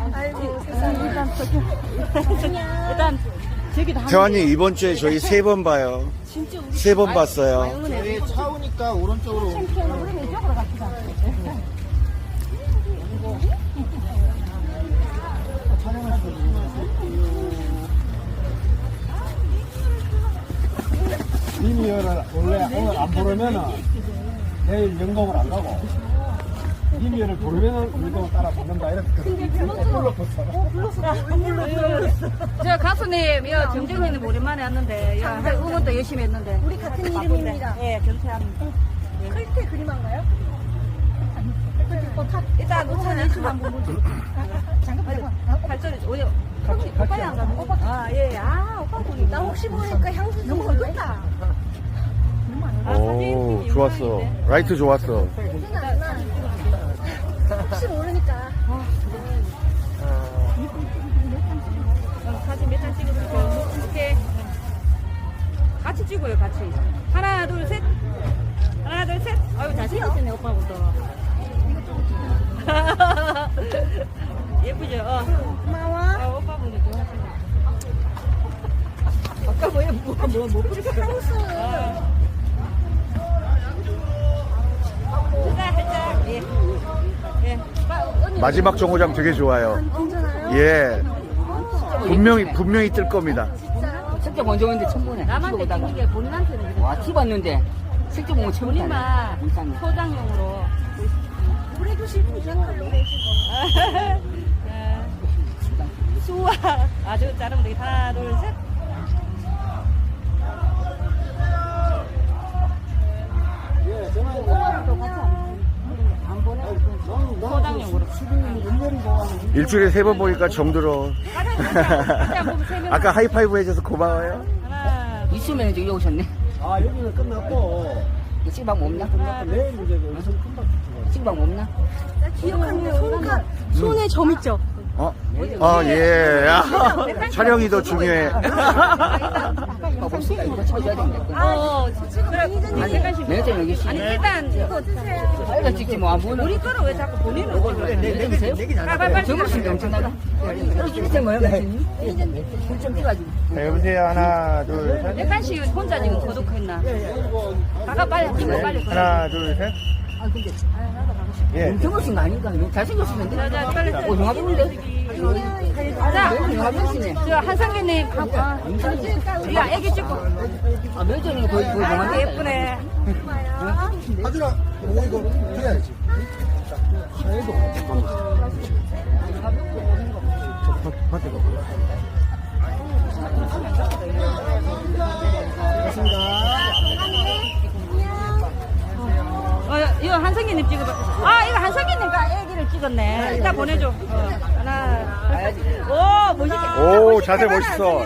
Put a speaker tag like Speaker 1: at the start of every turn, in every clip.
Speaker 1: 아이고 일단 저기도
Speaker 2: 태환이 이번 주에 저희 3번 봐요. 3번 봤어요.
Speaker 3: 여기 차오니까 오른쪽으로
Speaker 1: 우리 이쪽으로 갑시다.
Speaker 3: 리미어를 원래 오늘 안 부르면은 내일 연공을 안 가고 리미어를 부르면은 연공을 따라 붙는다 이렇게
Speaker 1: 저 가수님, 여 정정현님 오랜만에 왔는데, 여 응원도 열심히 했는데.
Speaker 4: 우리 같은 이름입니다.
Speaker 1: 예, 경태합니다.
Speaker 4: 클테 그림한가요?
Speaker 1: 일단 우선 예술 한번 보죠. 발전이 오요. 오빠야 안 가면 오빠. 아, 예, 아, 오빠 보니.
Speaker 4: 나 혹시 모르니까 향수
Speaker 1: 너무
Speaker 4: 좀
Speaker 1: 어렵다.
Speaker 2: 오, 좋았어. 라이트 좋았어.
Speaker 4: 혹시 모르니까.
Speaker 1: 사진 몇 장 찍어드릴게요. 이렇게. 같이 찍어요, 같이. 하나, 둘, 셋. 하나, 둘, 셋. 아유, 잘생겼네, 오빠부터. 예쁘죠?
Speaker 4: 고마워.
Speaker 1: 아, 오빠분이 좋아하시네. 아까 뭐 뿌리고
Speaker 4: 향수.
Speaker 1: 살짝, 예. 예.
Speaker 2: 마지막 정거장 되게 좋아요.
Speaker 4: 괜찮아요?
Speaker 2: 예. 분명히 뜰 겁니다.
Speaker 5: 색조 먼저 오는데 처음 보네.
Speaker 1: 남한테 찍는 게 본인한테는 이렇게
Speaker 5: 와, 티봤는데 색조 보면 처음 보네.
Speaker 1: 본인만
Speaker 5: 이상해.
Speaker 1: 소장용으로.
Speaker 4: 노래도 싫고 생각도 내시고.
Speaker 1: 수와 아주 자르면 되게 하나, 둘, 셋. 소장용으로.
Speaker 2: 일주일에 3번 보니까 정들어. 아까 하이파이브 해줘서 고마워요.
Speaker 1: 하나,
Speaker 5: 있으면 이제 여기 오셨네.
Speaker 3: 아 여기는 끝났고
Speaker 5: 식방 없나?
Speaker 3: 내일 이제 여기서 금방
Speaker 5: 식방 없나?
Speaker 4: 기억하는 게 손에 점 있죠?
Speaker 2: 어? 예. 촬영이 더 중요해.
Speaker 5: 없으니까 이거 쳐줘야 된다.
Speaker 1: 그래, 안색관심.
Speaker 5: 매니저 여기 씨.
Speaker 1: 아니, 일단,
Speaker 5: 빨리 찍지 뭐. 안 보는.
Speaker 1: 우리 거를 왜 자꾸 본인은
Speaker 5: 내리세요?
Speaker 1: 빨리
Speaker 5: 저물었으니까 엄청나다. 이렇게 뭐야? 불좀 찍어가지고.
Speaker 2: 자, 여보세요. 하나, 둘, 셋.
Speaker 1: 백간씩 혼자 지금 고독했나? 가가 빨리 찍고 빨리.
Speaker 2: 하나, 둘, 셋. 예.
Speaker 5: 저물었은 거 아닌가? 잘생겼으면 돼.
Speaker 1: 자, 빨리.
Speaker 5: 영화 보는데?
Speaker 1: 자,
Speaker 5: 영화 보시네.
Speaker 1: 저 한상규님, 야, 애기 찍고.
Speaker 5: 아, 매니저는 거의
Speaker 1: 아이고,
Speaker 5: 영화
Speaker 1: 예쁘네.
Speaker 3: 하준아 이거 해야지
Speaker 1: 이거 한성기님 찍어봐. 아, 이거 한성기님과 애기를 찍었네. 이따 보내줘. 하나. 오, 멋있게.
Speaker 2: 오, 자세 멋있어.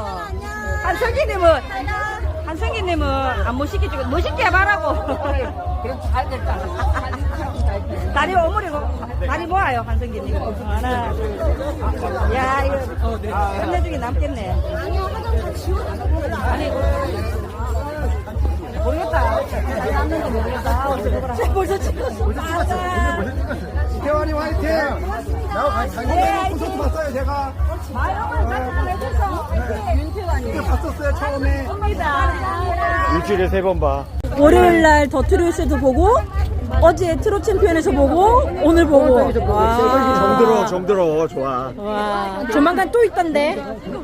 Speaker 1: 한성기님은 안 멋있게 찍어. 멋있게 해봐라고.
Speaker 5: 그럼 잘 됐다.
Speaker 1: 다리 오므리고, 다리 모아요, 한성기님. 하나. 야, 이거, 끝내주기 남겠네.
Speaker 4: 아니야, 화장 다 지워놨어.
Speaker 1: 아니, 모르겠다. 다리 남는지 모르겠다. 어떻게 보라. 벌써 찍었어.
Speaker 3: 태환이 화이팅 나하고 같이 콘서트 봤어요 제가 그때 봤었어요 처음에
Speaker 2: 일주일에 3번 봐.
Speaker 6: 월요일날 더 트로트도 보고 어제 트롯 챔피언에서 보고 오늘 보고 와,
Speaker 2: 정들어. 좋아.
Speaker 6: 와 조만간 또 있던데.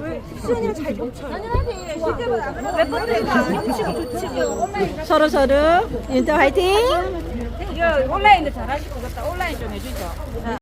Speaker 6: 서로 인터 화이팅.
Speaker 1: 이거 온라인도 잘하실 것 같다. 온라인 좀 해주죠.